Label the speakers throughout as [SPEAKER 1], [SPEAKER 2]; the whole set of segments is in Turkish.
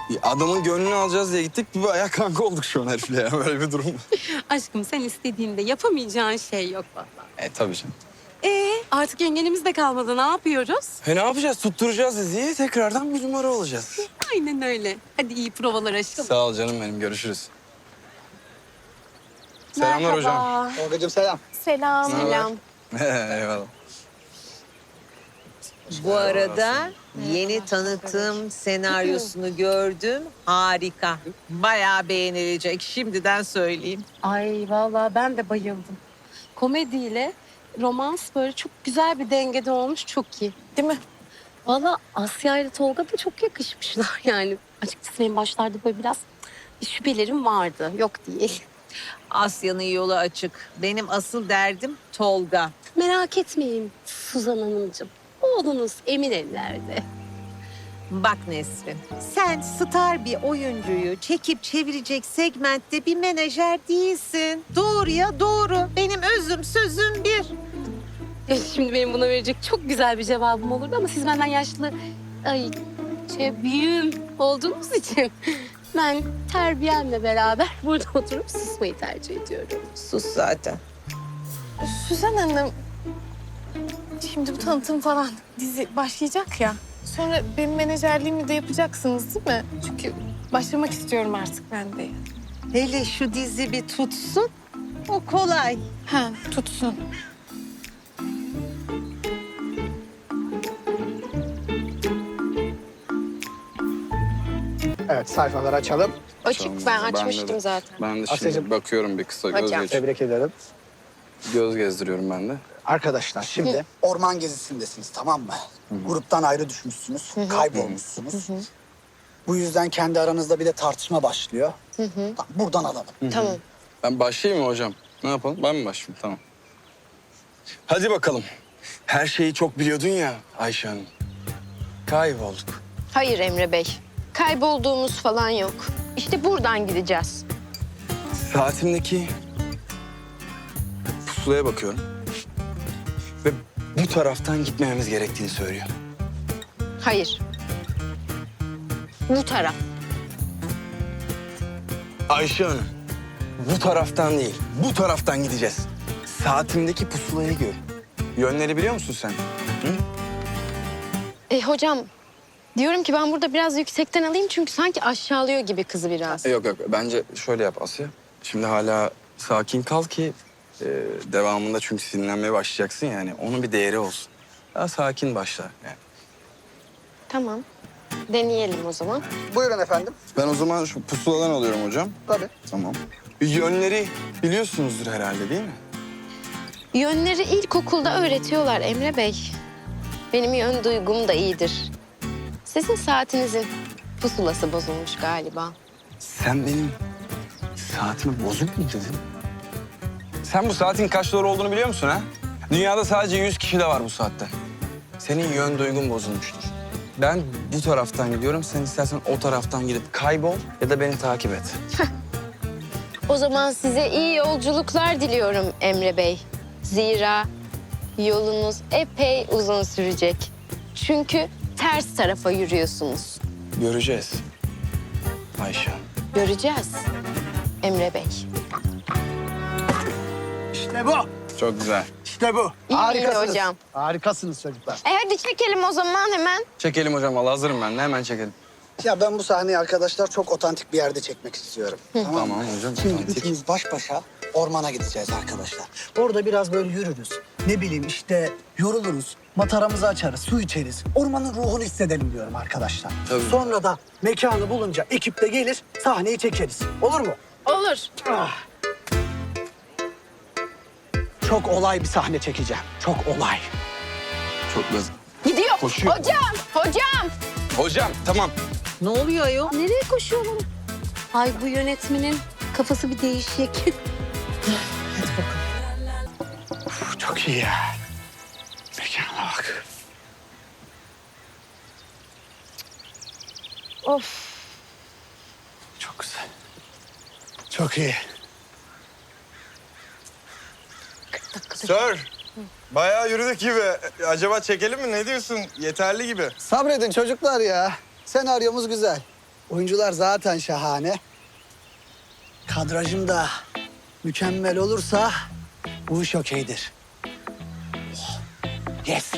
[SPEAKER 1] Adamın gönlünü alacağız diye gittik. Bir bayağı kanka olduk şu an herifle ya. Böyle bir durum.
[SPEAKER 2] Aşkım sen istediğinde yapamayacağın şey yok vallahi.
[SPEAKER 1] Tabii canım.
[SPEAKER 2] Artık yengenimiz de kalmadı. Ne yapıyoruz?
[SPEAKER 1] Ne yapacağız? Tutturacağız diziyi. Tekrardan bir numara olacağız.
[SPEAKER 2] Aynen öyle. Hadi iyi provalar aşkım.
[SPEAKER 1] Sağ ol canım benim. Görüşürüz. Selamlar hocam.
[SPEAKER 3] Tolgacığım selam.
[SPEAKER 2] Selam. Selam.
[SPEAKER 1] Eyvallah.
[SPEAKER 4] Bu arada yeni tanıtım senaryosunu gördüm. Harika. Bayağı beğenilecek. Şimdiden söyleyeyim.
[SPEAKER 2] Ay vallahi ben de bayıldım. Komediyle romans böyle çok güzel bir dengede olmuş. Çok iyi. Değil mi? Vallahi Asya ile Tolga da çok yakışmışlar yani. Açıkçası benim başlarda böyle biraz şüphelerim vardı. Yok değil.
[SPEAKER 4] Asya'nın yolu açık. Benim asıl derdim Tolga.
[SPEAKER 2] Merak etmeyin Suzan Hanımcığım. Oğlunuz emin ellerde.
[SPEAKER 4] Bak Nesrin, sen star bir oyuncuyu çekip çevirecek segmentte bir menajer değilsin. Doğruya doğru. Benim özüm sözüm bir.
[SPEAKER 2] Ya şimdi benim buna verecek çok güzel bir cevabım olurdu ama siz benden yaşlı, büyüğüm olduğunuz için ben terbiyemle beraber burada oturup susmayı tercih ediyorum.
[SPEAKER 4] Sus zaten.
[SPEAKER 5] Suzan Hanım, şimdi bu tanıtım falan dizi başlayacak ya. Sonra benim menajerliğimi de yapacaksınız değil mi? Çünkü başlamak istiyorum artık ben de.
[SPEAKER 4] Hele şu dizi bir tutsun. O kolay.
[SPEAKER 5] Ha, tutsun.
[SPEAKER 3] Evet, sayfaları açalım.
[SPEAKER 2] Açık, ben açmıştım zaten.
[SPEAKER 1] Ben de şimdi
[SPEAKER 3] Asya'cığım.
[SPEAKER 1] bakıyorum bir kısa göz
[SPEAKER 2] Hocam.
[SPEAKER 1] geç.
[SPEAKER 3] Tebrik ederim.
[SPEAKER 1] Göz gezdiriyorum ben de.
[SPEAKER 3] Arkadaşlar şimdi orman gezisindesiniz, tamam mı? Gruptan ayrı düşmüşsünüz, kaybolmuşsunuz. Bu yüzden kendi aranızda bir de tartışma başlıyor. Tamam, buradan alalım.
[SPEAKER 2] Tamam.
[SPEAKER 1] Ben başlayayım mı hocam? Ne yapalım? Ben mi başlayayım? Tamam. Hadi bakalım. Her şeyi çok biliyordun ya Ayşe Hanım. Kaybolduk.
[SPEAKER 6] Hayır Emre Bey. Kaybolduğumuz falan yok. İşte buradan gideceğiz.
[SPEAKER 1] Saatimdeki pusulaya bakıyorum. Ve bu taraftan gitmememiz gerektiğini söylüyor.
[SPEAKER 6] Hayır. Bu taraf.
[SPEAKER 1] Ayşe Hanım, bu taraftan değil, bu taraftan gideceğiz. Saatimdeki pusulayı gör. Yönleri biliyor musun sen? Hı?
[SPEAKER 6] Hocam diyorum ki ben burada biraz yüksekten alayım çünkü sanki aşağılıyor gibi kızı biraz.
[SPEAKER 1] Yok yok, bence şöyle yap Asya. Şimdi hala sakin kal ki devamında çünkü sinirlenmeye başlayacaksın yani. Onun bir değeri olsun. Daha sakin başla yani.
[SPEAKER 6] Tamam. Deneyelim o zaman.
[SPEAKER 3] Buyurun efendim.
[SPEAKER 1] Ben o zaman şu pusuladan alıyorum hocam.
[SPEAKER 3] Tabii.
[SPEAKER 1] Tamam. Yönleri biliyorsunuzdur herhalde değil mi?
[SPEAKER 6] Yönleri ilkokulda öğretiyorlar Emre Bey. Benim yön duygum da iyidir. Sizin saatinizin pusulası bozulmuş galiba.
[SPEAKER 1] Sen benim saatimi bozuk mu dedin? Sen bu saatin kaç dolar olduğunu biliyor musun ha? Dünyada sadece 100 kişi de var bu saatte. Senin yön duygun bozulmuştur. Ben bu taraftan gidiyorum. Sen istersen o taraftan gidip kaybol ya da beni takip et.
[SPEAKER 6] O zaman size iyi yolculuklar diliyorum Emre Bey. Zira yolunuz epey uzun sürecek. Çünkü ters tarafa yürüyorsunuz.
[SPEAKER 1] Göreceğiz. Ayşe.
[SPEAKER 6] Göreceğiz Emre Bey.
[SPEAKER 3] İşte bu.
[SPEAKER 1] Çok güzel.
[SPEAKER 3] İşte bu.
[SPEAKER 6] İyi
[SPEAKER 3] Harikasınız.
[SPEAKER 6] hocam.
[SPEAKER 3] Harikasınız çocuklar.
[SPEAKER 6] Hadi çekelim o zaman hemen.
[SPEAKER 1] Çekelim hocam. Vallahi hazırım ben de. Hemen çekelim.
[SPEAKER 3] Ya ben bu sahneyi arkadaşlar çok otantik bir yerde çekmek istiyorum. Tamam mı?
[SPEAKER 1] Tamam hocam.
[SPEAKER 3] Şimdi
[SPEAKER 1] otantik.
[SPEAKER 3] üçümüz baş başa ormana gideceğiz arkadaşlar. Orada biraz böyle yürürüz. Ne bileyim işte yoruluruz. Mataramızı açarız, su içeriz. Ormanın ruhunu hissedelim diyorum arkadaşlar.
[SPEAKER 1] Tabii.
[SPEAKER 3] Sonra da mekanı bulunca ekip de gelir, sahneyi çekeriz. Olur mu?
[SPEAKER 6] Olur.
[SPEAKER 3] Ah. Çok olay bir sahne çekeceğim. Çok olay.
[SPEAKER 1] Çok güzel.
[SPEAKER 6] Gidiyor.
[SPEAKER 1] Koşuyor.
[SPEAKER 6] Hocam.
[SPEAKER 1] Hocam tamam.
[SPEAKER 4] Ne oluyor ayol?
[SPEAKER 2] Nereye koşuyorlar? Ay bu yönetmenin kafası bir değişik.
[SPEAKER 3] Uf, çok iyi ya. Mekana bak.
[SPEAKER 6] Of.
[SPEAKER 3] Çok güzel. Çok iyi.
[SPEAKER 7] Sir, bayağı yürüdük gibi. Acaba çekelim mi? Ne diyorsun? Yeterli gibi.
[SPEAKER 3] Sabredin çocuklar ya. Senaryomuz güzel. Oyuncular zaten şahane. Kadrajım da mükemmel olursa bu iş okeydir. Oh, yes.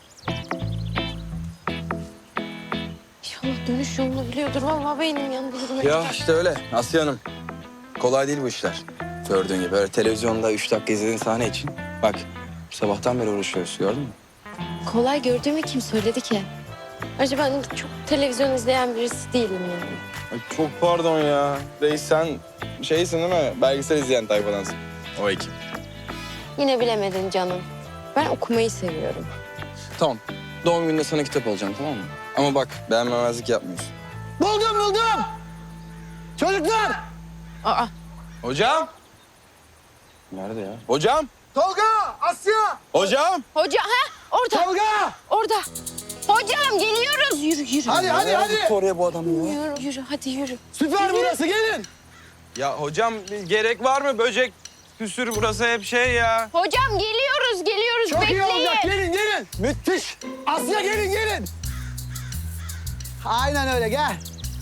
[SPEAKER 6] İnşallah dönüş yolunu biliyordur. Vallahi beynim yandı.
[SPEAKER 1] Ya işte öyle Asya Hanım. Kolay değil bu işler. Gördüğün gibi öyle televizyonda 3 dakika izlediğin sahne için. Bak sabahtan beri uğraşıyoruz gördün mü?
[SPEAKER 6] Kolay gördüğümü kim söyledi ki? Ayrıca ben çok televizyon izleyen birisi değilim yani.
[SPEAKER 7] Ay, çok pardon ya. Reis sen şeysin değil mi? Belgesel izleyen tayfadansın. O ekip.
[SPEAKER 6] Yine bilemedin canım. Ben okumayı seviyorum.
[SPEAKER 1] Tamam. Doğum gününde sana kitap alacağım tamam mı? Ama bak beğenmemezlik yapmıyorsun.
[SPEAKER 3] Buldum. Çocuklar.
[SPEAKER 6] Aa,
[SPEAKER 7] Hocam!
[SPEAKER 1] Nerede ya?
[SPEAKER 7] Hocam!
[SPEAKER 3] Tolga, Asya.
[SPEAKER 7] Hocam!
[SPEAKER 6] hoca orada,
[SPEAKER 3] Tolga.
[SPEAKER 6] orada. Hocam geliyoruz. Yürü.
[SPEAKER 3] Hadi.
[SPEAKER 1] Oraya bu adam ya.
[SPEAKER 6] Yürü, hadi yürü.
[SPEAKER 3] Süper burası, gelin.
[SPEAKER 7] Ya hocam gerek var mı? Böcek püsür burası hep şey ya.
[SPEAKER 6] Hocam geliyoruz.
[SPEAKER 3] Çok
[SPEAKER 6] Bekleyin.
[SPEAKER 3] iyi olacak, gelin. Müthiş. Asya gelin. Aynen öyle, gel.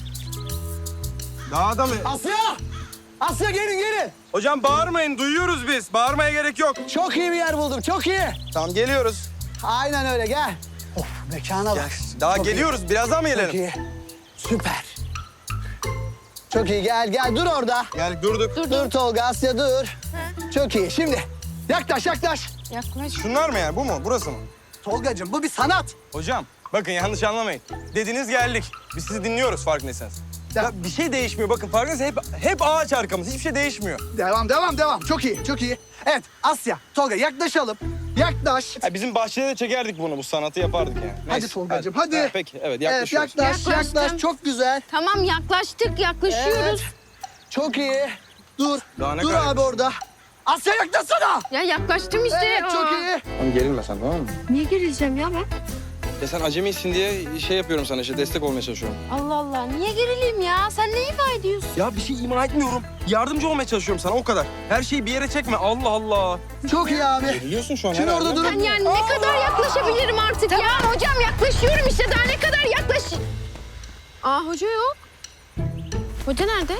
[SPEAKER 7] Daha da mı?
[SPEAKER 3] Asya gelin.
[SPEAKER 7] Hocam bağırmayın duyuyoruz biz. Bağırmaya gerek yok.
[SPEAKER 3] Çok iyi bir yer buldum, çok iyi.
[SPEAKER 7] Tamam geliyoruz.
[SPEAKER 3] Aynen öyle, gel. Of, mekana bak.
[SPEAKER 7] Daha
[SPEAKER 3] Çok
[SPEAKER 7] geliyoruz. Birazdan mı
[SPEAKER 3] Çok
[SPEAKER 7] gelelim?
[SPEAKER 3] iyi. Süper. Çok iyi, gel. Dur orada.
[SPEAKER 7] Gel durduk.
[SPEAKER 3] Dur Tolga, Asya dur. Çok iyi. Şimdi yaklaş.
[SPEAKER 6] Yaklaş.
[SPEAKER 7] Şunlar mı yani? Bu mu? Burası mı?
[SPEAKER 3] Tolgacığım bu bir sanat.
[SPEAKER 7] Hocam bakın yanlış anlamayın. Dediniz geldik. Biz sizi dinliyoruz farkındaysanız. Ya bir şey değişmiyor. Bakın farkındaysanız hep ağaç arkamız. Hiçbir şey değişmiyor.
[SPEAKER 3] Devam. Çok iyi. Evet Asya, Tolga yaklaşalım. Yaklaş.
[SPEAKER 7] Ya bizim bahçede de çekerdik bunu. Bu sanatı yapardık yani.
[SPEAKER 3] Hadi Tolgacığım, hadi.
[SPEAKER 7] Ha, peki evet
[SPEAKER 3] Evet
[SPEAKER 7] yaklaşıyoruz.
[SPEAKER 3] yaklaş.
[SPEAKER 6] Yaklaştım.
[SPEAKER 3] Çok güzel.
[SPEAKER 6] Tamam yaklaşıyoruz.
[SPEAKER 3] Çok iyi. Dur.
[SPEAKER 7] Daha ne
[SPEAKER 3] Dur
[SPEAKER 7] kadar-
[SPEAKER 3] abi orada. Asya yaklaşsana.
[SPEAKER 6] Ya yaklaştım işte.
[SPEAKER 3] Evet çok iyi.
[SPEAKER 1] Tamam gerilme sen tamam mı?
[SPEAKER 6] Niye gerileceğim ya ben?
[SPEAKER 1] Ya sen acemisin diye şey yapıyorum sana işte destek olmaya çalışıyorum.
[SPEAKER 6] Allah Allah. Niye gerileyim ya? Sen ne ifade ediyorsun?
[SPEAKER 7] Ya bir şey ima etmiyorum. Yardımcı olmaya çalışıyorum sana o kadar. Her şeyi bir yere çekme. Allah Allah.
[SPEAKER 3] Çok iyi abi.
[SPEAKER 1] Geriliyorsun şu an
[SPEAKER 3] Şimdi
[SPEAKER 1] herhalde.
[SPEAKER 3] orada durun.
[SPEAKER 6] Ben yani ne kadar yaklaşabilirim artık ya? Hocam yaklaşıyorum işte. Daha ne kadar Aa hoca yok. Hoca nerede?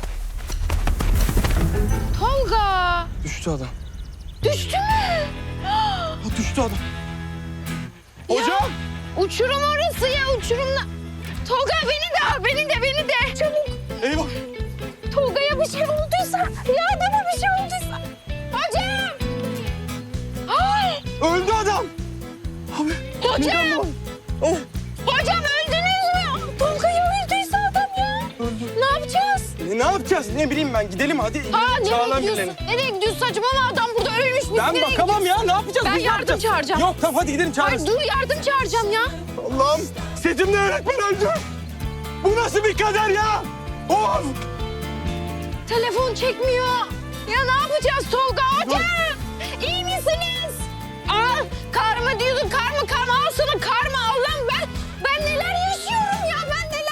[SPEAKER 6] Tolga.
[SPEAKER 1] Düştü adam.
[SPEAKER 6] Düştü mü?
[SPEAKER 7] Ha, düştü adam.
[SPEAKER 6] Hocam. Uçurum orası ya uçurumla. Tolga beni de. Çabuk.
[SPEAKER 7] Eyvah.
[SPEAKER 6] Tolga'ya bir şey olduysa. Ya adama bir şey olduysa. Hocam. Ay.
[SPEAKER 7] Öldü adam. Abi.
[SPEAKER 6] Hocam.
[SPEAKER 7] Oh.
[SPEAKER 6] Hocam öldünüz mü? Tolga'ya öldüyse adam ya. Ne yapacağız?
[SPEAKER 7] Ne yapacağız? Ne bileyim ben. Gidelim hadi.
[SPEAKER 6] Nereye
[SPEAKER 7] Çağlan
[SPEAKER 6] gidiyorsun?
[SPEAKER 7] birilerini.
[SPEAKER 6] Nereye gidiyorsun saçmalama adam burada ölmüş. Biz
[SPEAKER 7] Ben
[SPEAKER 6] nereye
[SPEAKER 7] bakamam
[SPEAKER 6] gidiyoruz?
[SPEAKER 7] ya. Ne yapacağız?
[SPEAKER 6] Ben
[SPEAKER 7] Biz ne
[SPEAKER 6] yardım
[SPEAKER 7] yapacağız?
[SPEAKER 6] çağıracağım.
[SPEAKER 7] Yok tamam hadi gidelim
[SPEAKER 6] Hayır
[SPEAKER 7] çağırırız.
[SPEAKER 6] dur yardım çağıracağım ya.
[SPEAKER 7] Allah'ım. Setimde öğretmen öldü. Bu nasıl bir kader ya? Of.
[SPEAKER 6] Telefon çekmiyor. Ya ne yapacağız Tolga? Hocam iyi misiniz? Aa karma diyordun karma al sana karma Allah'ım ben neler yaşıyorum ya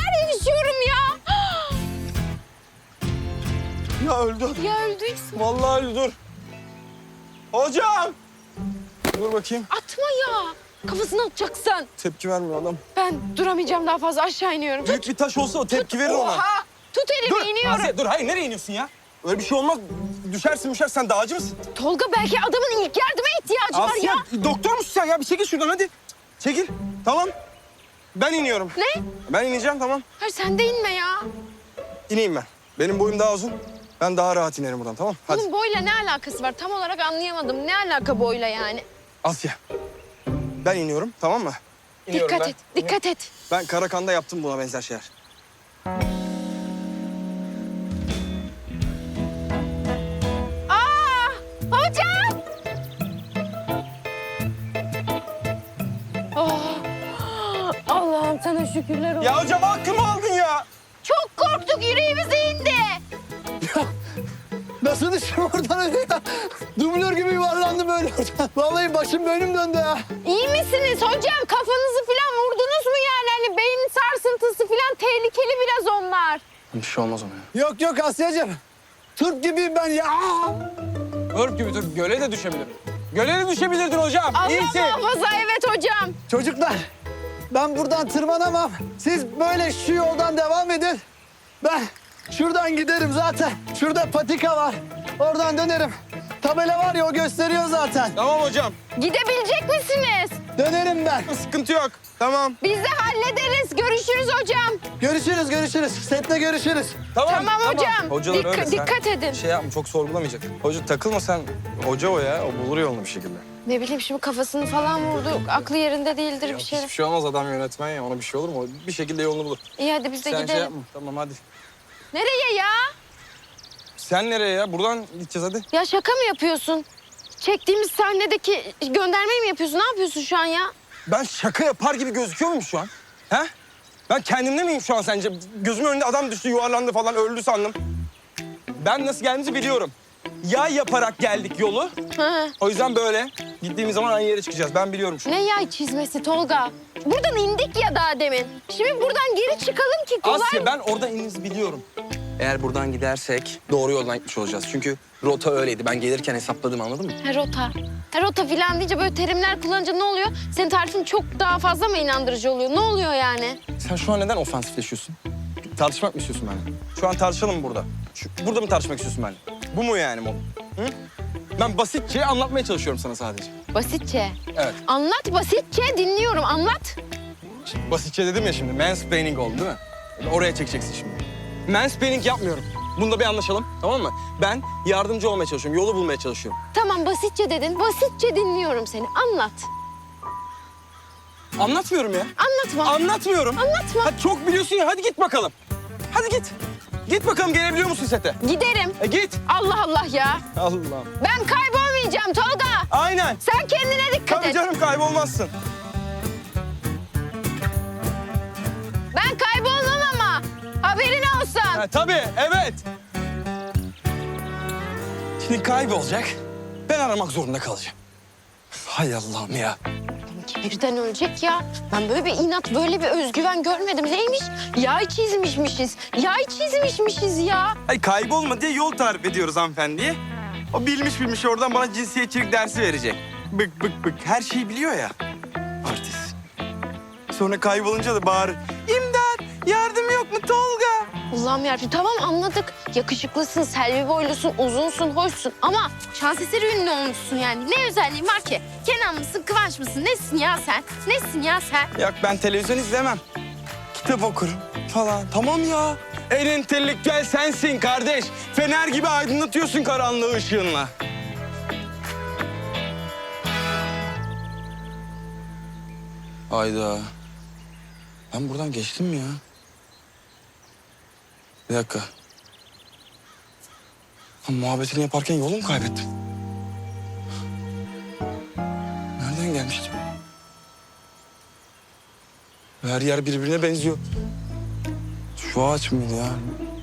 [SPEAKER 7] Ya öldü adam.
[SPEAKER 6] Ya öldüyse
[SPEAKER 7] Vallahi öldü dur. Hocam. Dur bakayım.
[SPEAKER 6] atma ya. Kafasına atacaksın.
[SPEAKER 7] Tepki vermiyor adam.
[SPEAKER 6] Ben duramayacağım daha fazla aşağı iniyorum.
[SPEAKER 7] Büyük bir taş olsa o tepki verir ona.
[SPEAKER 6] Oha! Tut elimi
[SPEAKER 7] Dur.
[SPEAKER 6] iniyorum.
[SPEAKER 7] Asiye, dur hayır nereye iniyorsun ya? Öyle bir şey olmaz. Düşersin sen dağcı mısın?
[SPEAKER 6] Tolga belki adamın ilk yardıma ihtiyacı var
[SPEAKER 7] Asiye
[SPEAKER 6] ya.
[SPEAKER 7] doktor musun sen ya? Bir çekil şuradan hadi. Çekil. Tamam. Ben iniyorum.
[SPEAKER 6] Ne?
[SPEAKER 7] Ben ineceğim tamam.
[SPEAKER 6] Hayır sen de inme ya.
[SPEAKER 7] İneyim ben. Benim boyum daha uzun. Ben daha rahat inerim buradan tamam. Hadi.
[SPEAKER 6] Bunun boyla ne alakası var? Tam olarak anlayamadım. Ne alaka boyla yani?
[SPEAKER 7] Asya. Ben iniyorum tamam mı? İniyorum
[SPEAKER 6] Dikkat
[SPEAKER 7] ben.
[SPEAKER 6] et, dikkat et.
[SPEAKER 7] Ben Karakan'da yaptım buna benzer şeyler.
[SPEAKER 6] Aa! Hocam! Oh! Allah'ım sana şükürler olsun.
[SPEAKER 7] Ya hocam hakkımı aldın ya.
[SPEAKER 6] Çok korktuk, yüreğimize indi.
[SPEAKER 3] Nasıl düştüm oradan öyle ya? Dublör gibi yuvarlandım böyle oradan. Vallahi başım bölüm döndü ya.
[SPEAKER 6] İyi misiniz hocam? Kafanızı falan vurdunuz mu yani? Hani beyin sarsıntısı falan tehlikeli biraz onlar.
[SPEAKER 1] Bir şey olmaz ona ya.
[SPEAKER 3] Yok Asya'cığım. Türk gibiyim ben ya.
[SPEAKER 7] Örp gibi dur. Göle de düşebilirim. Göle de düşebilirdin hocam.
[SPEAKER 6] Allah
[SPEAKER 7] İyisin.
[SPEAKER 6] muhafaza evet hocam.
[SPEAKER 3] Çocuklar ben buradan tırmanamam. Siz böyle şu yoldan devam edin. Ben şuradan giderim zaten. Şurada patika var. Oradan dönerim. Tabela var ya o gösteriyor zaten.
[SPEAKER 7] Tamam hocam.
[SPEAKER 6] Gidebilecek misiniz?
[SPEAKER 3] Dönerim ben.
[SPEAKER 7] Sıkıntı yok. Tamam.
[SPEAKER 6] Biz de hallederiz. Görüşürüz hocam.
[SPEAKER 3] Görüşürüz. Sette görüşürüz.
[SPEAKER 6] Tamam hocam.
[SPEAKER 1] Hocalar öyle, sen
[SPEAKER 6] Dikkat edin.
[SPEAKER 1] Şey yapma, çok sorgulamayacak. Hoca takılma sen. Hoca o ya. O bulur yolunu bir şekilde.
[SPEAKER 6] Ne bileyim şimdi kafasını falan vurdu. Aklı yerinde değildir bir şey.
[SPEAKER 1] Hiçbir şey olmaz, adam yönetmen ya. Ona bir şey olur mu? O bir şekilde yolunu bulur.
[SPEAKER 6] İyi hadi biz de
[SPEAKER 1] Sen şey
[SPEAKER 6] gidelim.
[SPEAKER 1] yapma. Tamam hadi.
[SPEAKER 6] Nereye ya?
[SPEAKER 1] Sen nereye ya? Buradan gideceğiz hadi.
[SPEAKER 6] Ya şaka mı yapıyorsun? Çektiğimiz sahnedeki göndermeyi mi yapıyorsun? Ne yapıyorsun şu an ya?
[SPEAKER 7] Ben şaka yapar gibi gözüküyor muyum şu an? He? Ben kendimde miyim şu an sence? Gözümün önünde adam düştü, yuvarlandı falan, öldü sandım. Ben nasıl geldiğimizi biliyorum. Yay yaparak geldik yolu.
[SPEAKER 6] Hı.
[SPEAKER 7] O yüzden böyle gittiğimiz zaman aynı yere çıkacağız. Ben biliyorum şu an.
[SPEAKER 6] Ne yay çizmesi Tolga? Buradan indik ya daha demin. Şimdi buradan geri çıkalım ki kolay
[SPEAKER 7] Asya
[SPEAKER 6] mı?
[SPEAKER 7] ben orada ininizi biliyorum.
[SPEAKER 1] Eğer buradan gidersek doğru yoldan gitmiş olacağız. Çünkü rota öyleydi. Ben gelirken hesapladım, anladın mı?
[SPEAKER 6] Rota. Rota filan deyince böyle terimler kullanınca ne oluyor? Senin tarifin çok daha fazla mı inandırıcı oluyor? Ne oluyor yani?
[SPEAKER 1] Sen şu an neden ofansifleşiyorsun? Tartışmak mı istiyorsun benimle?
[SPEAKER 7] Şu an tartışalım mı burada? Burada mı tartışmak istiyorsun benimle? Bu mu yani mod? Hı? Ben basitçe anlatmaya çalışıyorum sana sadece.
[SPEAKER 6] Basitçe.
[SPEAKER 7] Evet.
[SPEAKER 6] Anlat basitçe dinliyorum anlat.
[SPEAKER 7] Şimdi basitçe dedim ya şimdi. Mansplaining oldu değil mi? Oraya çekeceksin şimdi. Mansplaining yapmıyorum. Bunda bir anlaşalım, tamam mı? Ben yardımcı olmaya çalışıyorum, yolu bulmaya çalışıyorum.
[SPEAKER 6] Tamam basitçe dedin. Basitçe dinliyorum seni. Anlat.
[SPEAKER 7] Anlatmıyorum ya.
[SPEAKER 6] Anlatma.
[SPEAKER 7] Anlatmıyorum.
[SPEAKER 6] Anlatma.
[SPEAKER 7] Hadi çok biliyorsun ya, hadi git bakalım. Hadi git. Git bakalım, gelebiliyor musun sete?
[SPEAKER 6] Giderim.
[SPEAKER 7] Git.
[SPEAKER 6] Allah Allah ya.
[SPEAKER 7] Allah'ım.
[SPEAKER 6] Ben kaybolmayacağım Tolga.
[SPEAKER 7] Aynen.
[SPEAKER 6] Sen kendine dikkat
[SPEAKER 7] Tabii
[SPEAKER 6] et.
[SPEAKER 7] canım, kaybolmazsın.
[SPEAKER 6] Ben kaybolmam ama. Haberin olsun.
[SPEAKER 7] Ha, tabii, evet.
[SPEAKER 1] Şimdi kaybolacak. Ben aramak zorunda kalacağım. Hay Allah'ım ya.
[SPEAKER 6] Birden ölecek ya. Ben böyle bir inat, böyle bir özgüven görmedim. Neymiş? Yay çizmişmişiz. Yay çizmişmişiz ya.
[SPEAKER 7] Ay kaybolma diye yol tarif ediyoruz hanımefendiye. O bilmiş oradan bana cinsiyetçilik dersi verecek. Bık. Her şeyi biliyor ya. Artist. Sonra kaybolunca da bağırır. İmdat! Yardım yok mu Tolga?
[SPEAKER 6] Allah'ım yarabbim tamam anladık. Yakışıklısın, selvi boylusun, uzunsun, hoşsun. Ama şans eseri ünlü olmuşsun yani. Ne özelliğin var ki? Kenan mısın, Kıvanç mısın? Nesin ya sen? Nesin ya sen?
[SPEAKER 7] Yok ben televizyon izlemem. Kitap okurum falan. Tamam ya. En entelektüel sensin kardeş. Fener gibi aydınlatıyorsun karanlığı ışığınla.
[SPEAKER 1] Hayda. Ben buradan geçtim mi ya? Bir dakika. Ha, muhabbetini yaparken yolu mu kaybettim? Nereden gelmiştim? Her yer birbirine benziyor. Şu ağaç mıydı ya?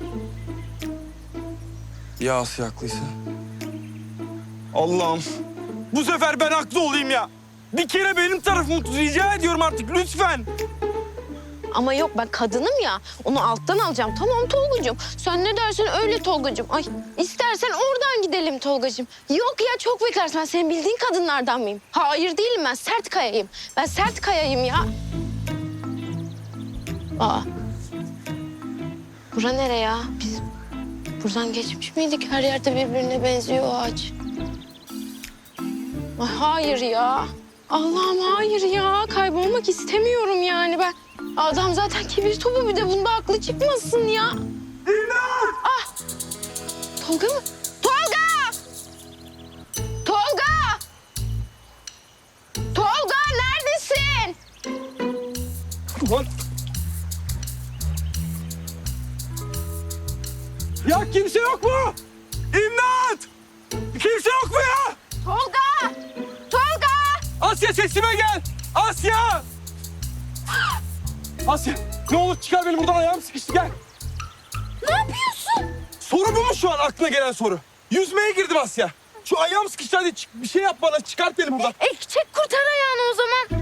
[SPEAKER 1] Ya Asya haklıysa?
[SPEAKER 7] Allah'ım. Bu sefer ben haklı olayım ya. Bir kere benim tarafımı tut. Rica ediyorum artık lütfen.
[SPEAKER 6] Ama yok ben kadınım ya. Onu alttan alacağım. Tamam Tolgacığım. Sen ne dersen öyle Tolgacığım. Ay istersen oradan gidelim Tolgacığım. Yok ya çok beklersin. Ben senin bildiğin kadınlardan mıyım? Hayır değilim ben. Sert kayayım. Ben sert kayayım ya. Aa. Bura nere ya? Biz buradan geçmiş miydik? Her yerde birbirine benziyor o ağaç. Ay, hayır ya. Allah'ım hayır ya. Kaybolmak istemiyorum yani ben. Adam zaten kibir topu bir de bunda aklı çıkmasın ya. İmdat! Ah! Tolga mı? Tolga! Tolga! Tolga neredesin?
[SPEAKER 7] Lan. Ya kimse yok mu? İmdat! Kimse yok mu ya?
[SPEAKER 6] Tolga! Tolga!
[SPEAKER 7] Asya sesime gel! Asya! Asya ne olur çıkar beni buradan, ayağım sıkıştı, gel.
[SPEAKER 6] Ne yapıyorsun?
[SPEAKER 7] Soru bu mu şu an aklına gelen soru? Yüzmeye girdim Asya. Şu ayağım sıkıştı, hadi bir şey yap bana, çıkart beni buradan.
[SPEAKER 6] Çek kurtar ayağını o zaman.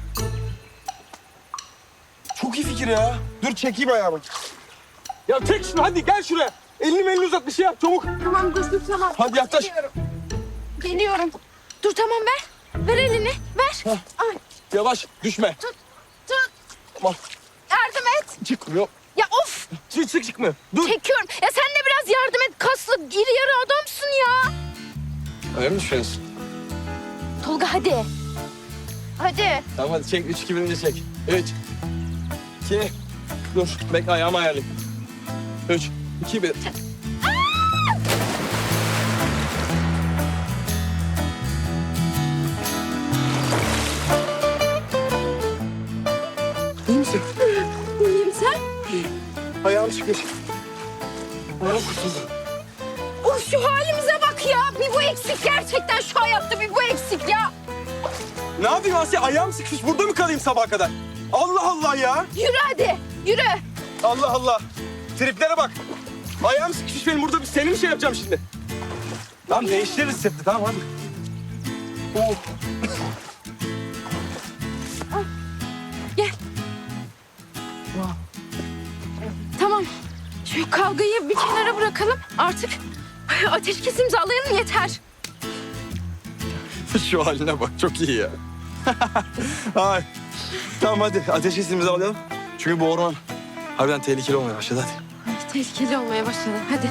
[SPEAKER 7] Çok iyi fikir ya. Dur çekeyim ayağımı. Ya çek şunu, hadi gel şuraya. Elini uzat, bir şey yap çabuk.
[SPEAKER 6] Tamam dur tamam.
[SPEAKER 7] Hadi yaklaş.
[SPEAKER 6] Geliyorum. Dur tamam ver. Ver elini ver. Ay,
[SPEAKER 7] Yavaş düşme.
[SPEAKER 6] tut.
[SPEAKER 7] Tamam.
[SPEAKER 6] Yardım et.
[SPEAKER 7] Çıkmıyor.
[SPEAKER 6] Ya of.
[SPEAKER 7] Çıkmıyor. Dur.
[SPEAKER 6] Çekiyorum. Ya sen de biraz yardım et. Kaslı, iri yarı adamsın ya.
[SPEAKER 1] Öyle mi düşünüyorsun?
[SPEAKER 6] Tolga hadi. Hadi.
[SPEAKER 1] Tamam hadi çek. 3, 2, 1'ince çek. 3, 2, dur. Bekle ayağımı ayarlayayım. 3, 2, 1. İyi misin?
[SPEAKER 6] İyiyim sen?
[SPEAKER 1] Ayağım çıkıyor. Ayağım kurtuldu.
[SPEAKER 6] Of şu halimize bak ya. Bir bu eksik gerçekten şu hayatta bir bu eksik ya.
[SPEAKER 7] Ne yapayım Asya? Ayağım sıkışmış. Burada mı kalayım sabaha kadar? Allah Allah ya.
[SPEAKER 6] Yürü hadi. Yürü.
[SPEAKER 7] Allah Allah. Triplere bak. Ayağım sıkışmış benim burada. Seni mi şey yapacağım şimdi? Tamam değiştiririz seti. Tamam hadi. Oh.
[SPEAKER 6] Tamam. Şu kavgayı bir kenara bırakalım. Artık ateşkes imzalayalım yeter.
[SPEAKER 7] Şu haline bak. Çok iyi ya. Ay. Tamam hadi. Ateş hissimizi alalım. Çünkü bu orman harbiden tehlikeli olmaya başladı. Hadi.
[SPEAKER 6] Tehlikeli olmaya başladı. Hadi.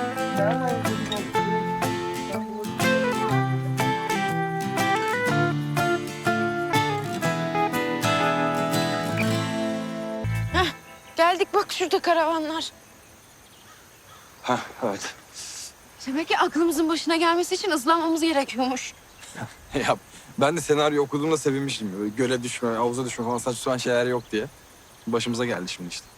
[SPEAKER 6] Heh, geldik bak şurada karavanlar.
[SPEAKER 1] Ha evet.
[SPEAKER 6] Demek ki aklımızın başına gelmesi için ıslanmamız gerekiyormuş.
[SPEAKER 1] Ya ben de senaryo okuduğumda sevinmiştim. Böyle göle düşme, havuza düşme falan saçma sapan şeyler yok diye. Başımıza geldi şimdi işte.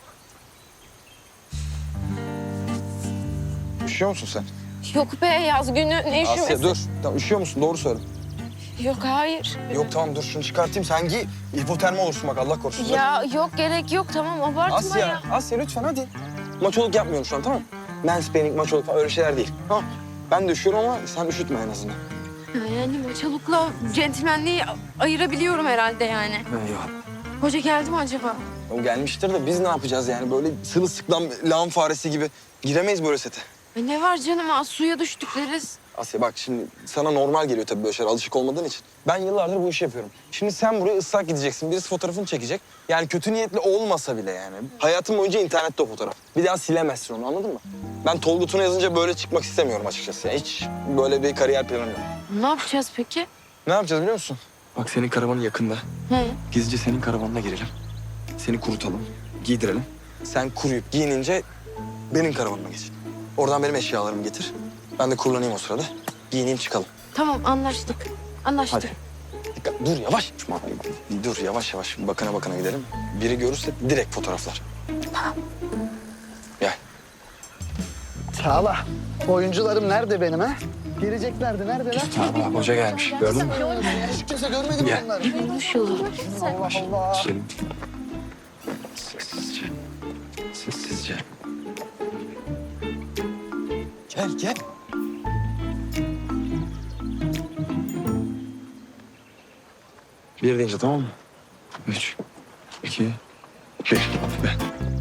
[SPEAKER 1] Üşüyor musun sen?
[SPEAKER 6] Yok be yaz günü ne üşümesi.
[SPEAKER 1] Asya dur. Tamam, üşüyor musun? Doğru söyle.
[SPEAKER 6] Yok hayır.
[SPEAKER 1] Yok tamam dur şunu çıkartayım. Sen giy. Hipotermi olursun bak Allah korusun.
[SPEAKER 6] Ya yok gerek yok tamam abartma ya.
[SPEAKER 1] Asya lütfen hadi. Maçoluk yapmıyorum şu an tamam mı? Mansplaining, maçoluk falan öyle şeyler değil. Tamam. Ben de üşüyorum ama sen üşütme en azından.
[SPEAKER 6] Yani maçalukla centilmenliği ayırabiliyorum herhalde yani.
[SPEAKER 1] Eyvallah.
[SPEAKER 6] Hoca geldi mi acaba?
[SPEAKER 1] O gelmiştir de biz ne yapacağız yani? Böyle sırılsıklam lağım faresi gibi giremeyiz böyle sete.
[SPEAKER 6] Ay ne var canım suya düştük deriz.
[SPEAKER 1] Asya bak şimdi sana normal geliyor tabii böyle şeyler alışık olmadığın için. Ben yıllardır bu işi yapıyorum. Şimdi sen buraya ıslak gideceksin. Birisi fotoğrafını çekecek. Yani kötü niyetli olmasa bile yani. Hayatın boyunca internette o fotoğraf. Bir daha silemezsin onu anladın mı? Ben Tolga Tuna yazınca böyle çıkmak istemiyorum açıkçası. Yani hiç böyle bir kariyer planım yok.
[SPEAKER 6] Ne yapacağız peki?
[SPEAKER 1] Ne yapacağız biliyor musun? Bak senin karavanın yakında.
[SPEAKER 6] Hı.
[SPEAKER 1] Gizlice senin karavanına girelim. Seni kurutalım, giydirelim. Sen kuruyup giyinince benim karavanıma geç. Oradan benim eşyalarımı getir. Ben de kurulanayım o sırada. Giyineyim çıkalım.
[SPEAKER 6] Tamam anlaştık. Anlaştık.
[SPEAKER 1] Hadi. Dikkat, dur yavaş. Dur yavaş yavaş bakana bakana gidelim. Biri görürse direkt fotoğraflar. Gel.
[SPEAKER 3] Çağla, oyuncularım nerede benim ha? Geleceklerdi, neredeler?
[SPEAKER 1] Bak hoca gelmiş. Gördün mü?
[SPEAKER 3] Hiç kimse görmedi mi
[SPEAKER 1] Gel.
[SPEAKER 3] bunları?
[SPEAKER 6] Konuşuyorlar.
[SPEAKER 3] Allah Allah.
[SPEAKER 1] Selim. Sessizce. Sessizce. Gel gel. Bir deyince tamam mı? 3, 2, 1. Ben.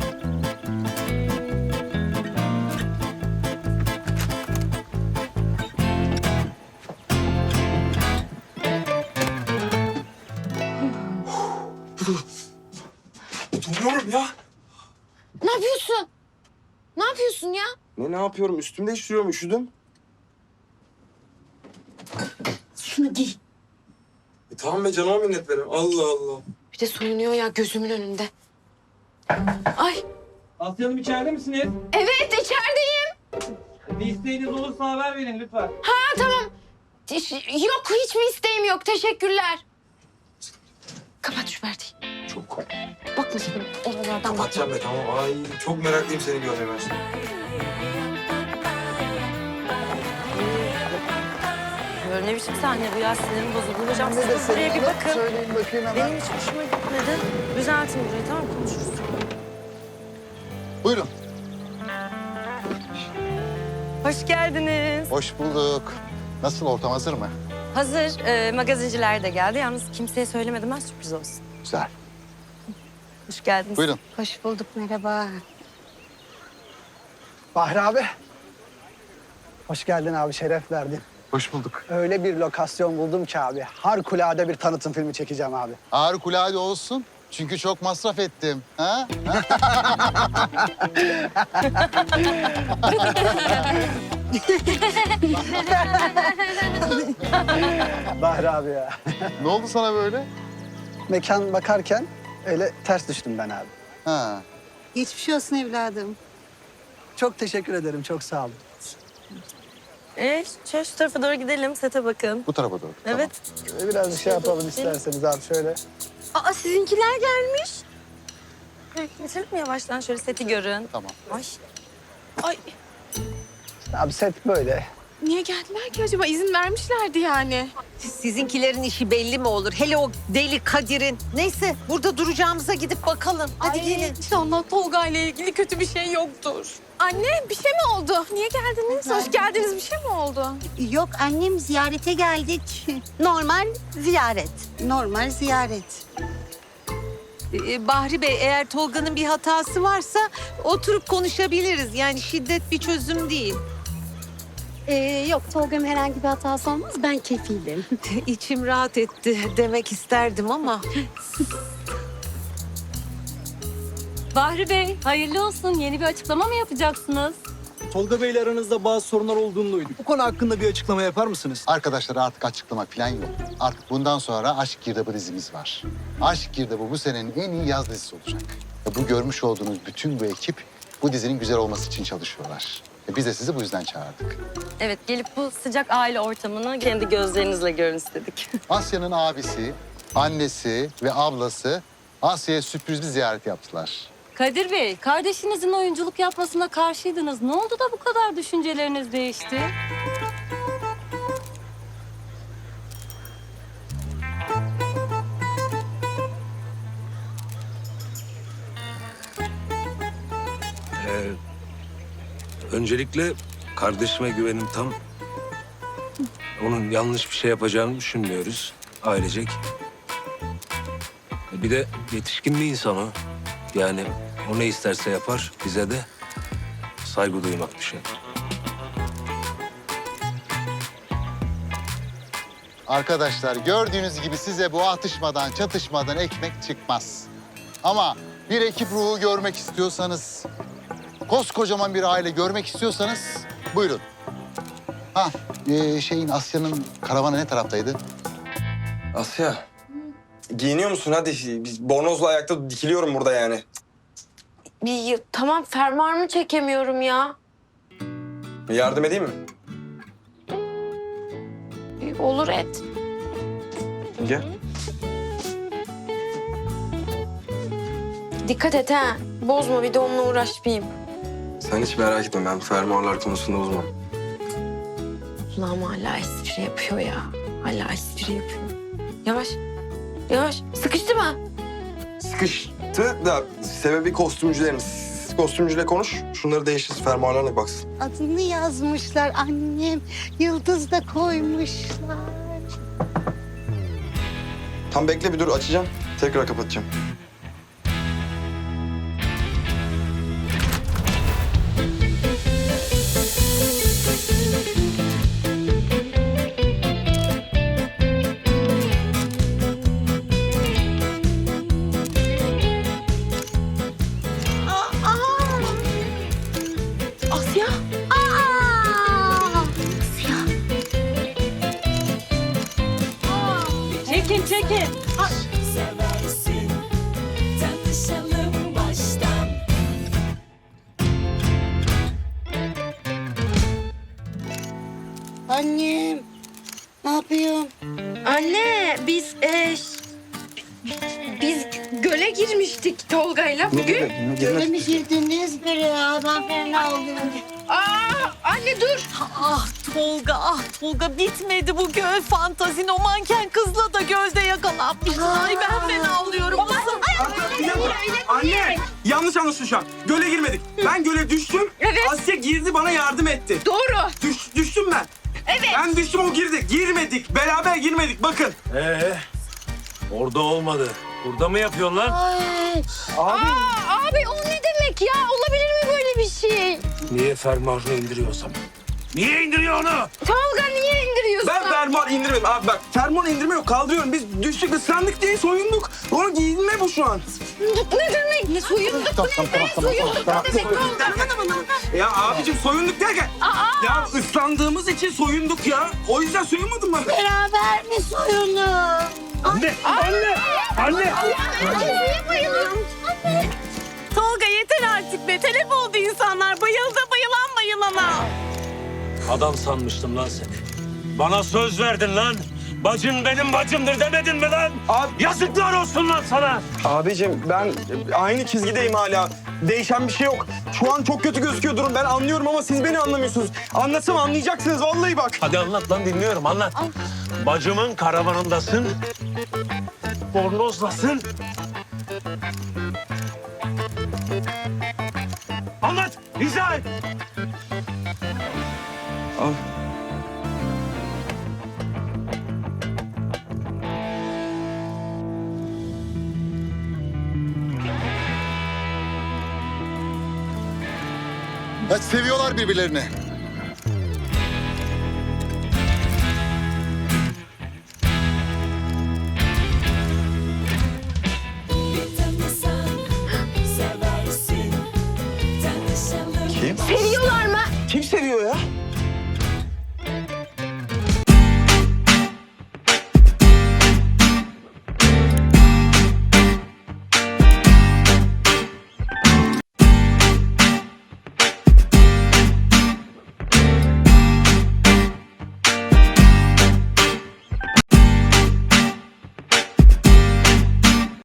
[SPEAKER 1] Donuyorum ya.
[SPEAKER 6] Ne yapıyorsun? Ne yapıyorsun ya?
[SPEAKER 1] Ne yapıyorum? Üstümde değiştiriyorum. Üşüdüm.
[SPEAKER 6] Şunu giy.
[SPEAKER 1] Tamam be canıma minnet verin. Allah Allah.
[SPEAKER 6] Bir de soyunuyor ya gözümün önünde. Ay
[SPEAKER 8] Asya Hanım içeride misiniz?
[SPEAKER 6] evet içerideyim.
[SPEAKER 8] Bir isteğiniz olursa haber verin lütfen.
[SPEAKER 6] Ha tamam. Yok hiçbir isteğim yok teşekkürler. Kapat şu perdeyi.
[SPEAKER 1] Çok
[SPEAKER 6] Bakma sakın oralardan bakma.
[SPEAKER 1] kapatacağım be tamam. Ay çok meraklıyım seni görmeye ben şimdi.
[SPEAKER 9] Ne biçim sahne bu ya? Sinirim bozuldu. Hocam
[SPEAKER 3] Ne
[SPEAKER 9] siz buraya bir bakın.
[SPEAKER 3] Söyleyin bakayım hemen.
[SPEAKER 9] Benim hiç hoşuma gitmedi. Düzeltin burayı tamam mı? Konuşuruz.
[SPEAKER 10] Buyurun.
[SPEAKER 9] Hoş geldiniz.
[SPEAKER 10] Hoş bulduk. Nasıl, ortam hazır mı?
[SPEAKER 9] Hazır. Magazinciler de geldi. Yalnız kimseye söylemedim ben sürpriz olsun.
[SPEAKER 10] Güzel.
[SPEAKER 9] Hoş geldiniz.
[SPEAKER 10] Buyurun.
[SPEAKER 6] Hoş bulduk merhaba.
[SPEAKER 3] Bahri abi. Hoş geldin abi, şeref verdin.
[SPEAKER 10] Hoş bulduk.
[SPEAKER 3] Öyle bir lokasyon buldum ki abi. Harikulade bir tanıtım filmi çekeceğim abi.
[SPEAKER 10] Harikulade olsun. Çünkü çok masraf ettim. Ha?
[SPEAKER 3] Bahri abi ya.
[SPEAKER 10] Ne oldu sana böyle?
[SPEAKER 3] Mekan bakarken öyle ters düştüm ben abi.
[SPEAKER 10] Ha.
[SPEAKER 4] Geçmiş olsun evladım.
[SPEAKER 3] Çok teşekkür ederim. Çok sağ olun.
[SPEAKER 9] Şöyle şu tarafa doğru gidelim, sete bakın.
[SPEAKER 10] Bu tarafa doğru.
[SPEAKER 9] Evet.
[SPEAKER 3] Biraz bir şey yapalım isterseniz abi şöyle.
[SPEAKER 2] Aa sizinkiler gelmiş.
[SPEAKER 9] Geçelim mi yavaştan? Şöyle seti görün.
[SPEAKER 10] Tamam.
[SPEAKER 9] Ay.
[SPEAKER 5] Ay
[SPEAKER 3] Abi set böyle.
[SPEAKER 5] niye geldiler ki acaba? İzin vermişlerdi yani.
[SPEAKER 4] Sizinkilerin işi belli mi olur? Hele o deli Kadir'in. Neyse burada duracağımıza gidip bakalım. Hadi gelin.
[SPEAKER 5] İnşallah Tolga ile ilgili kötü bir şey yoktur. Anne bir şey mi oldu? Niye geldiniz? Hoş geldiniz. Bir şey mi oldu?
[SPEAKER 11] Yok annem ziyarete geldik. Normal ziyaret. Normal ziyaret.
[SPEAKER 4] Bahri Bey eğer Tolga'nın bir hatası varsa oturup konuşabiliriz. Yani şiddet bir çözüm değil.
[SPEAKER 2] Yok Tolga'nın herhangi bir hatası olmaz. Ben kefilim.
[SPEAKER 4] İçim rahat etti demek isterdim ama.
[SPEAKER 9] Bahri Bey, hayırlı olsun. Yeni bir açıklama mı yapacaksınız?
[SPEAKER 12] Tolga Bey'le aranızda bazı sorunlar olduğunu duyduk. Bu konu hakkında bir açıklama yapar mısınız?
[SPEAKER 10] Arkadaşlar artık açıklama falan yok. Artık bundan sonra Aşk Girdabı dizimiz var. Aşk Girdabı bu senenin en iyi yaz dizisi olacak. Ve bu görmüş olduğunuz bütün bu ekip bu dizinin güzel olması için çalışıyorlar. Biz de sizi bu yüzden çağırdık.
[SPEAKER 9] Evet, gelip bu sıcak aile ortamını kendi gözlerinizle görün istedik.
[SPEAKER 10] Asya'nın abisi, annesi ve ablası Asya'ya sürpriz bir ziyaret yaptılar.
[SPEAKER 9] Kadir Bey, kardeşinizin oyunculuk yapmasına karşıydınız. Ne oldu da bu kadar düşünceleriniz değişti?
[SPEAKER 13] Öncelikle kardeşime güvenim tam. Onun yanlış bir şey yapacağını düşünmüyoruz ailecek. Bir de yetişkin bir insan o. Yani o ne isterse yapar, bize de saygı duymak düşer.
[SPEAKER 10] Arkadaşlar gördüğünüz gibi size bu atışmadan, çatışmadan ekmek çıkmaz. Ama bir ekip ruhu görmek istiyorsanız, koskocaman bir aile görmek istiyorsanız buyurun. Asya'nın karavanı ne taraftaydı?
[SPEAKER 1] Asya. Giyiniyor musun? Hadi biz bornozla ayakta dikiliyorum burada yani.
[SPEAKER 2] Tamam fermuarımı çekemiyorum ya.
[SPEAKER 1] Yardım edeyim mi?
[SPEAKER 2] Olur et.
[SPEAKER 1] Gel.
[SPEAKER 2] Dikkat et ha. Bozma bir de onunla uğraşmayayım.
[SPEAKER 1] Sen hiç merak etme, ben fermuarlar konusunda uzman.
[SPEAKER 2] Ulan hala espri yapıyor ya. Hala espri yapıyor. Yavaş. Yavaş. Sıkıştı mı?
[SPEAKER 1] Sıkıştı da sebebi kostümcülerimiz. Siz kostümcüyle konuş, şunları değiştirsin, fermuarlarına baksın.
[SPEAKER 11] Adını yazmışlar annem. Yıldız da koymuşlar.
[SPEAKER 1] Tam bekle bir dur, açacağım. Tekrar kapatacağım.
[SPEAKER 5] Asya.
[SPEAKER 9] Çekin, çekin.
[SPEAKER 11] Annem. Ne yapıyorsun?
[SPEAKER 2] Anne biz göle girmiştik Tolga'yla bugün.
[SPEAKER 11] Öyle mi girdiniz biri ya? Ben fena oluyorum.
[SPEAKER 2] Anne dur.
[SPEAKER 4] Ah Tolga bitmedi bu göl fantazin. O manken kızla da gölde yakalanmıştın. Ay ben fena oluyorum.
[SPEAKER 7] Anne! Yanlış anlaşıldı şu an. Göle girmedik. Ben göle düştüm.
[SPEAKER 2] Evet.
[SPEAKER 7] Asya girdi bana yardım etti.
[SPEAKER 2] Doğru.
[SPEAKER 7] Düştüm ben.
[SPEAKER 2] Evet.
[SPEAKER 7] Ben düştüm o girdi. Girmedik. Beraber girmedik. Bakın.
[SPEAKER 13] Orada olmadı. Burada mı yapıyorsun lan?
[SPEAKER 2] Abi o ne demek ya? Olabilir mi böyle bir şey?
[SPEAKER 13] Niye fermuarını indiriyorsam? Niye indiriyor onu?
[SPEAKER 2] Tolga niye indiriyor? diyorsun?
[SPEAKER 1] Ben fermuar indirmedim. Abi bak fermuar indirme yok. Kaldırıyorum. Biz düştük ıslandık diye soyunduk. Onu giyinme bu şu an.
[SPEAKER 2] Ne demek? Ne soyunduk?
[SPEAKER 1] Ya abicim soyunduk derken. Ya ıslandığımız için soyunduk ya. O yüzden soyunmadın mı?
[SPEAKER 11] Beraber mi soyunun?
[SPEAKER 1] Anne! Anne!
[SPEAKER 5] Tolga yeter artık be. Telef oldu insanlar. Bayıldı bayılan bayılana.
[SPEAKER 13] Adam sanmıştım lan seni. Bana söz verdin lan. Bacın benim bacımdır demedin mi lan?
[SPEAKER 1] Abi-
[SPEAKER 13] Yazıklar olsun lan sana.
[SPEAKER 1] Abicim ben aynı çizgideyim hala. Değişen bir şey yok. Şu an çok kötü gözüküyor durum. Ben anlıyorum ama siz beni anlamıyorsunuz. Anlatsam anlayacaksınız vallahi bak.
[SPEAKER 13] Hadi anlat lan dinliyorum anlat. Bacımın karavanındasın. Bornozlasın. Anlat, izah et.
[SPEAKER 1] Al.
[SPEAKER 10] Ya seviyorlar birbirlerini.